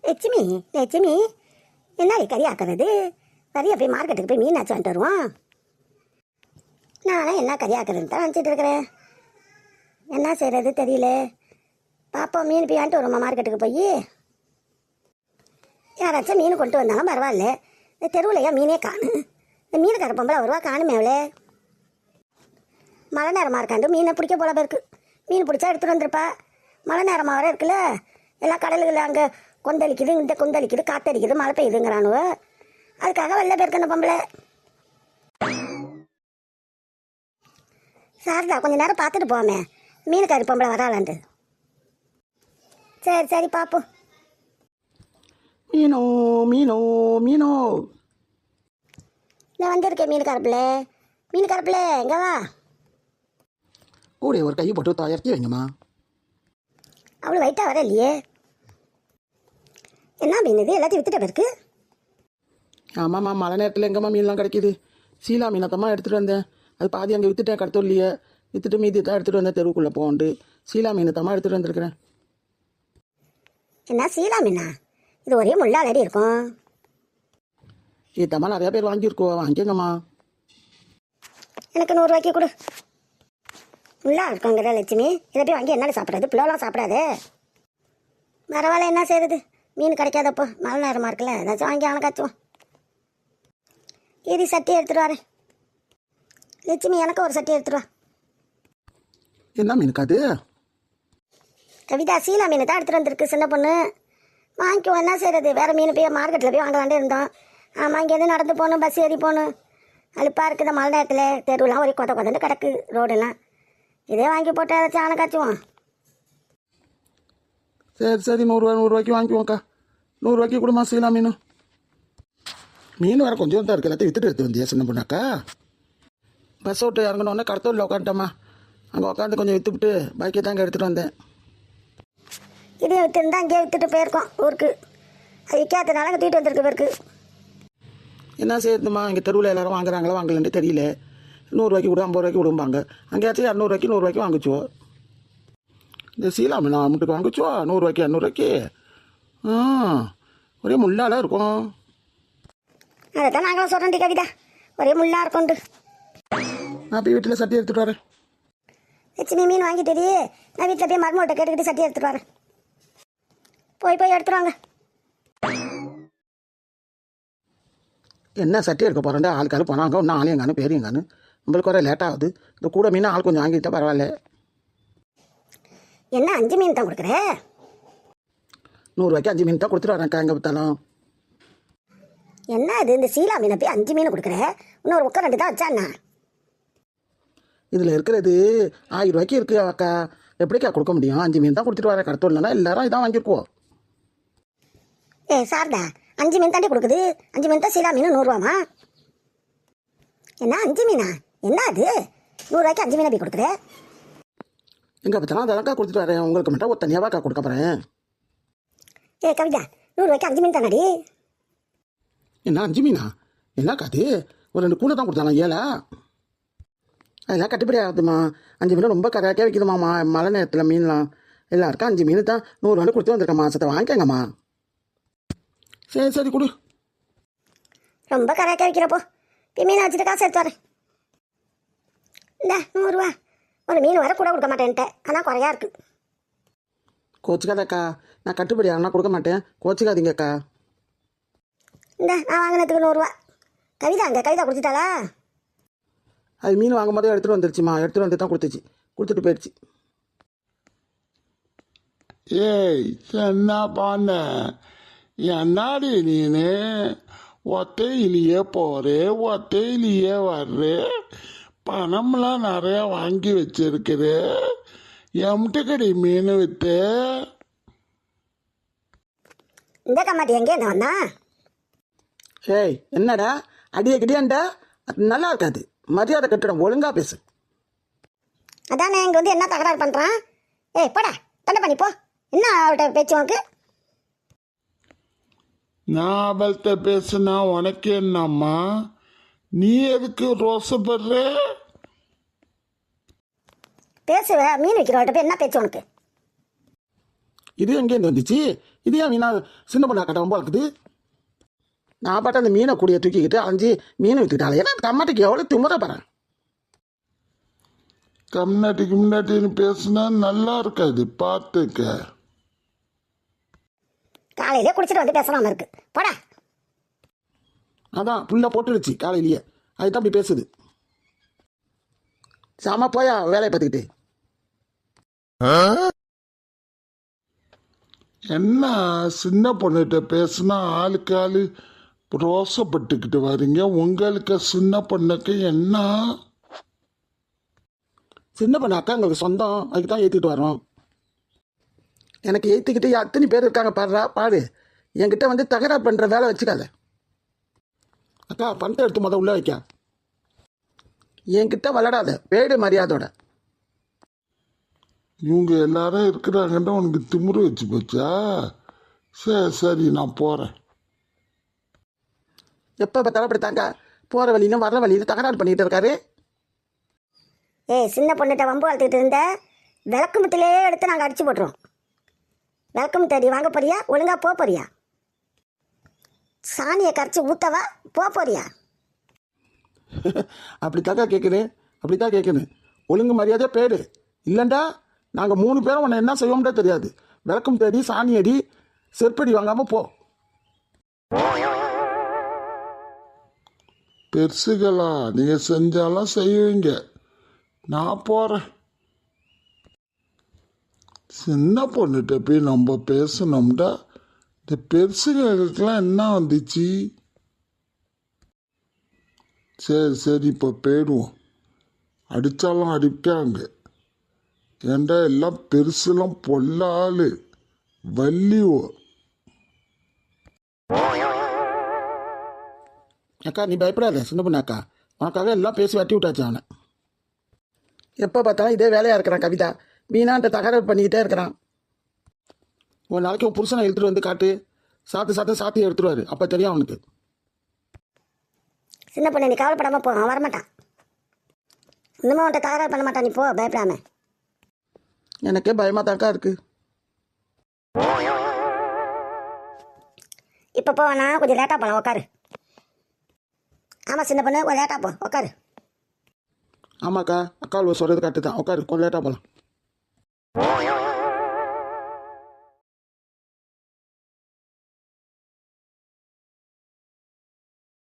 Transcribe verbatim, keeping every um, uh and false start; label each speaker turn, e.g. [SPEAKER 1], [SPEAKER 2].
[SPEAKER 1] லட்சுமி லட்சுமி என்ன கறி ஆக்குறது? கறியை போய் மார்க்கெட்டுக்கு போய் மீனாச்சு வந்துட்டு வருவோம். நானும் என்ன கறி ஆக்குறதுன்னு தான் நினச்சிட்டு இருக்கிறேன். என்ன செய்கிறது தெரியல. பாப்போம், மீன் போய் வாங்கிட்டு வருவோம்மா மார்க்கெட்டுக்கு போய். யாராச்சும் மீன் கொண்டு வந்தாலும் பரவாயில்ல. இந்த தெருவுலையா மீனே காணும். இந்த மீனுக்கார பொம்பளை வருவா காணுமே அவளே. மழை நேரமாக இருக்காண்டு மீனை பிடிக்க போல இருக்கு. மீன் பிடிச்சா எடுத்துகிட்டு வந்துருப்பா. மழை நேரமாக வர இருக்குல்ல, எல்லா கடல்களில் அங்கே கொந்தளிக்குது, இந்த கொந்தளிக்குது, காத்தடிக்குது, மழை பெய்யுதுங்கிறானுவ. அதுக்காக வெளில போயிருக்கு அந்த பொம்பளை. சாரதா கொஞ்சம் நேரம் பார்த்துட்டு போவோமே, மீனுக்காரி பொம்பளை வராளாண்டு. சரி சரி பார்ப்போம்.
[SPEAKER 2] மீனோ மீனோ மீனோ
[SPEAKER 1] நான் வந்திருக்கேன் மீனுக்காரப்பிள்ளை. மீனுக்காரப்பிள்ளை எங்கே வா.
[SPEAKER 2] கூட ஒரு கை போட்டு தயாரிக்கி வைங்கம்மா.
[SPEAKER 1] அவ்வளோ வெயிட்டாக வர இல்லையே. என்ன மீன் இது? எல்லாத்தையும் வித்துட்ட பிறகு.
[SPEAKER 2] ஆமாம்மா, மழை நேரத்தில் எங்கம்மா மீன்லாம் கிடைக்கிது? சீலா மீனத்தம்மா எடுத்துகிட்டு வந்தேன். அது பாதி அங்கே விற்றுட்டேன், கடத்தோ இல்லையே. விற்றுட்டு மீதி தான் எடுத்துகிட்டு வந்தேன் தெருவுக்குள்ளே போகண்டு. சீலா மீனத்தம்மா எடுத்துகிட்டு வந்துருக்குறேன்.
[SPEAKER 1] என்ன சீலா மீனா? இது ஒரே முள்ளாலடி இருக்கும்.
[SPEAKER 2] இதம்மா நிறையா பேர் வாங்கியிருக்கோம், வாங்கிக்கங்கம்மா.
[SPEAKER 1] எனக்கு நூறுரூவாய்க்கு கொடு. முள்ளா இருக்குங்கிற லட்சுமி, இதை போய் வாங்கி என்ன சாப்பிட்றது? பிள்ளைலாம் சாப்பிடாது. பரவாயில்ல, என்ன செய்யுது? மீன் கிடைக்காதப்போ மழை நேரமாக இருக்குல்ல, ஏதாச்சும் வாங்கி அவனை காய்ச்சுவோம். இது சட்டி எடுத்துகிட்டு வரேன். லட்சுமி எனக்கு ஒரு சட்டி எடுத்துருவா.
[SPEAKER 2] என்ன மீனுக்கு அது?
[SPEAKER 1] கவிதா, சீலா மீன் தான் எடுத்துகிட்டு வந்திருக்கு சின்ன பொண்ணு. வாங்கிக்குவோம், என்ன செய்கிறது? வேறு மீன் போய் மார்க்கெட்டில் போய் வாங்கலாண்டே இருந்தோம். ஆமாம், இங்கேருந்து நடந்து போகணும், பஸ் ஏறி போகணும். அழுப்பாக இருக்குது மழை நேரத்தில். தெருவெலாம் ஒரே கொத கொதன்னு கிடக்கு ரோடெல்லாம். இதே வாங்கி போட்டு ஏதாச்சும் ஆனை காய்ச்சுவோம்.
[SPEAKER 2] சரி சரி, நூறுரூவா நூறுரூவாய்க்கு வாங்கிக்குவோங்க்கா. நூறுரூவாய்க்கு கொடுமா சீலா மீன். மீன் வேறு கொஞ்சம் தான் இருக்குது, எல்லாத்தையும் வித்துட்டு எடுத்து வந்தியா சின்ன பொண்ணாக்கா? பஸ் விட்டு இறங்கினோடனே கடத்தூரில் உட்காந்துட்டோம்மா. அங்கே உட்காந்து கொஞ்சம் விற்றுவிட்டு பாக்கி தாங்க எடுத்துகிட்டு வந்தேன்.
[SPEAKER 1] இதே விற்றுருந்தா அங்கேயே விற்றுட்டு போயிருக்கோம் ஊருக்கு. அது விற்காததுனால அங்கே தூக்கிட்டு வந்துருக்கு பேருக்கு.
[SPEAKER 2] என்ன செய்யுதுமா, இங்கே தெருவில் எல்லோரும் வாங்குறாங்களா வாங்கலன்னு தெரியல. நூறுரூவாய்க்கு விடும், ஐம்பது ரூபாய்க்கு விடும்பாங்க. அங்கேயாச்சும் இரநூறுவாய்க்கு நூறுரூவாய்க்கு வாங்கிச்சுவோம். இந்த சீலா மீன் அம்முட்டுக்கு வாங்கிச்சுவோ நூறுரூவாய்க்கு இரநூறுவாய்க்கு. ஆ, ஒரே முள்ளாலாம் இருக்கும்.
[SPEAKER 1] அதை தான் நாங்களும் சொல்கிறோம் கவிதா, ஒரே முள்ளாக இருக்கும்ண்டு.
[SPEAKER 2] நான் போய் வீட்டில் சட்டி எடுத்துகிட்டு வரேன்.
[SPEAKER 1] லட்சுமி மீன் வாங்கிட்டு நான் வீட்டில் போய் மருமகிட்ட கேட்டுக்கிட்டு சட்டி எடுத்துகிட்டு வரேன். போய் போய் எடுத்துட்டு வாங்க.
[SPEAKER 2] என்ன சட்டி எடுக்க போகிறேன்? ஆளுக்காரு போனாங்க, ஒன்றும் ஆளையங்கானு பேரியங்கானு. நம்மளுக்கு வர லேட் ஆகுது. இந்த கூட மீன் ஆள் கொஞ்சம் வாங்கிட்டா பரவாயில்ல.
[SPEAKER 1] என்ன அஞ்சு மீன் தான் கொடுக்குற?
[SPEAKER 2] நூறுரூவாய்க்கு அஞ்சு மீன் தான் கொடுத்துட்டு வரேன்க்கா எங்கே பார்த்தாலும்.
[SPEAKER 1] என்ன இது? இந்த சீலா மீனை போய் அஞ்சு மீன் கொடுக்குற? இன்னொரு உட்கார் ரெண்டு தான் வச்சாண்ணா.
[SPEAKER 2] இதில் இருக்கிறது ஆயிரம் ரூபாய்க்கு இருக்குது அக்கா. எப்படிக்கா கொடுக்க முடியும்? அஞ்சு மீன் தான் கொடுத்துட்டு வரேன். கடத்தோம் இல்லைனா எல்லாரும் இதான் வாங்கியிருக்குவோம்.
[SPEAKER 1] ஏ சாரதா, அஞ்சு மீன் தாண்டி கொடுக்குது. அஞ்சு மீன் தான் சீலா மீன் நூறுரூவாமா? என்ன அஞ்சு மீனா? என்ன அது? நூறுரூவாய்க்கு அஞ்சு மீனை போய் கொடுக்குற?
[SPEAKER 2] எங்கே பார்த்தாலும் அதெல்லாம்க்கா கொடுத்துட்டு வரேன். உங்களுக்கு மட்டும் ஒரு தனியாவாக்கா கொடுக்க போகிறேன்.
[SPEAKER 1] ஏ கவிதா, நூறுரூவாய்க்கு அஞ்சு மீன் தானடி?
[SPEAKER 2] என்ன அஞ்சு மீனா? என்னக்கா அது? ஒரு ரெண்டு கூட தான் கொடுத்தாங்க ஏழா. அதெல்லாம் கட்டுப்படி ஆகுதுமா. அஞ்சு மீன் ரொம்ப கரையாக்கே வைக்குதுமாம்மா மழை நேரத்தில் மீன்லாம். எல்லாருக்கும் அஞ்சு மீன் தான் நூறுரூவான்னு கொடுத்து வந்திருக்கேன். மாதத்தை வாங்கிக்கங்கம்மா. சரி சரி கொடு.
[SPEAKER 1] ரொம்ப கரையாக்கே வைக்கிறப்போ இப்போ மீனை வச்சுட்டு காசு எடுத்து வரேன். இந்த நூறுரூவா ஒரு மீன் வர கூட கொடுக்க மாட்டேன்ட்டேன். ஆனால் குறையா இருக்குது.
[SPEAKER 2] கோச்சிக்காதக்கா, நான் கட்டுப்படி ஆனால் கொடுக்க மாட்டேன். கோச்சிக்காதீங்கக்கா.
[SPEAKER 1] இந்த நான் வாங்கினதுக்கு நூறுரூவா. கவிதா அங்கே கவிதா கொடுத்துட்டாளா?
[SPEAKER 2] அது மீன் வாங்கும் போதே எடுத்துகிட்டு வந்துருச்சுமா. எடுத்துகிட்டு வந்து தான் கொடுத்துச்சு. கொடுத்துட்டு போயிடுச்சு.
[SPEAKER 3] ஏய் என்ன பண்ண? என்னாடி நீனு ஒத்தையிலேயே போறே, ஒத்தையிலேயே வர்றே, பணம்லாம் நிறையா வாங்கி வச்சிருக்குது. எம்ட்டுக்கடி மீன் வித்து?
[SPEAKER 1] இந்த கம்மாட்டி எங்கே என்ன வந்தா?
[SPEAKER 2] ஏய் என்னடா அடியே கிடியாண்டா? அது நல்லா இருக்காது. மரியாதை கட்டிடம், ஒழுங்காக பேசு.
[SPEAKER 1] அதானே இங்கே வந்து என்ன தகராறு பண்ணுறான்? ஏய் போடா, தண்டை பண்ணி போ. என்ன அவர்கிட்ட பேச்சு உனக்கு?
[SPEAKER 3] நான் அவள்கிட்ட பேசுனா உனக்கு என்னம்மா? நீ எதுக்கு ரோசப்படுற?
[SPEAKER 1] பேசுவ மீன் விற்கிறவர்கிட்ட போய் என்ன பேச்சு உனக்கு?
[SPEAKER 2] இது எங்கேருந்து வந்துச்சு? இது ஏன் மீனா சின்ன பொண்ணு அக்கட்ட ரொம்ப இருக்குது. நான் பாட்டு அந்த மீனை கூடிய தூக்கிக்கிட்டு அஞ்சு மீனை வித்துக்கிட்டாலே ஏன்னா கம்மாட்டிக்கு எவ்வளோ திமுறை பாறேன்.
[SPEAKER 3] கம்னாட்டி கிம்னாட்டின்னு பேசுனா நல்லா இருக்காது, பார்த்துக்க.
[SPEAKER 1] காலையிலே குடிச்சிட்டு வந்து பேசாம இருக்கு போடா.
[SPEAKER 2] அதான் ஃபுல்லாக போட்டுடுச்சு காலையிலேயே, அதுதான் அப்படி பேசுது. சாமா போயா வேலையை பார்த்துக்கிட்டு.
[SPEAKER 3] என்ன சின்ன பொண்ணுகிட்ட பேசுனா ஆளுக்கு ஆளு ரோசப்பட்டுக்கிட்டு வரீங்க. உங்களுக்கு சின்ன பொண்ணுக்கு என்ன?
[SPEAKER 2] சின்ன பொண்ணு அக்கா எங்களுக்கு சொந்தம், அதுக்கு தான் ஏற்றிக்கிட்டு வரோம். எனக்கு ஏற்றிக்கிட்டு அத்தனை பேர் இருக்காங்க பாடுறா பாடு. என்கிட்ட வந்து தகராறு பண்ணுற வேலை வச்சுக்காத. அக்கா பணத்தை எடுத்து முத உள்ள வைக்க. என்கிட்ட விளையாடாத, பேடு மரியாதோட.
[SPEAKER 3] இவங்க எல்லாரும் இருக்கிறாங்கன்னு உனக்கு திமிரு வச்சு போச்சா? சரி சரி நான் போகிறேன்.
[SPEAKER 2] எப்போ பார்த்தாலும் அப்படித்தாங்க, போகிற வழியிலும் வர்ற வழியிலும் தகராறு பண்ணிகிட்டு இருக்காரு.
[SPEAKER 1] ஏய் சின்ன பொண்ணுகிட்ட வம்பு வளர்த்துக்கிட்டு இருந்த விளக்கு முட்டிலே எடுத்து நாங்கள் அடிச்சு போட்டுருவோம். விளக்கு முட்டை வாங்க போறியா, ஒழுங்கா போக போறியா? சாணியை கரைச்சி ஊத்தவா போக போறியா?
[SPEAKER 2] அப்படித்தாக்கா கேட்குது, அப்படித்தான் கேட்குது. ஒழுங்கு மரியாதையாக பேடு, இல்லைண்டா நாங்கள் மூணு பேரும் உன்னை என்ன செய்வோம்னே தெரியாது. விளக்கம் தேடி சாணி அடி, செருப்படி வாங்காமல் போ.
[SPEAKER 3] பெருசுகளா நீங்கள் செஞ்சாலும் செய்வீங்க, நான் போகிறேன். சின்ன பொண்ணுகிட்ட போய் நம்ம பேசணும்டா. இந்த பெருசுகளுக்கெல்லாம் என்ன வந்துச்சு? சரி சரி இப்போ போயிடுவோம். அடித்தாலும் அடிப்பாங்க. ஏண்டா எல்லாம் பெருசுலாம் பொல்லாள் வள்ளிவோ.
[SPEAKER 2] அக்கா நீ பயப்படாத சின்ன பொண்ணு அக்கா, உனக்காக எல்லாம் பேசி வட்டி விட்டாச்சு அவனை. எப்போ பார்த்தாலும் இதே வேலையாக இருக்கிறான் கவிதா, மீனான்ட்ட தகராறு பண்ணிக்கிட்டே இருக்கிறான். ஒரு நாளைக்கு உன் புருஷனை இழுத்துட்டு வந்து காட்டு, சாத்து சாத்து சாத்தி எடுத்துருவாரு, அப்போ தெரியும் அவனுக்கு.
[SPEAKER 1] சின்ன பொண்ணு நீ கவலைப்படாமல் போ, அவன் வரமாட்டான். இன்னமும் அவன்கிட்ட தகராறு பண்ண மாட்டான், நீ போ பயப்படாம.
[SPEAKER 2] எனக்கே பயமாக தாக்கா இருக்கு.
[SPEAKER 1] இப்போ போவேண்ணா, கொஞ்சம் லேட்டாக போகலாம், உட்காரு. ஆமாம் சின்ன பொண்ணு கொஞ்சம் லேட்டாக போ, உட்காரு.
[SPEAKER 2] ஆமாக்கா, அக்கா சொல்கிறது கரெக்டு தான், உட்காரு கொஞ்சம் லேட்டாக போகலாம்.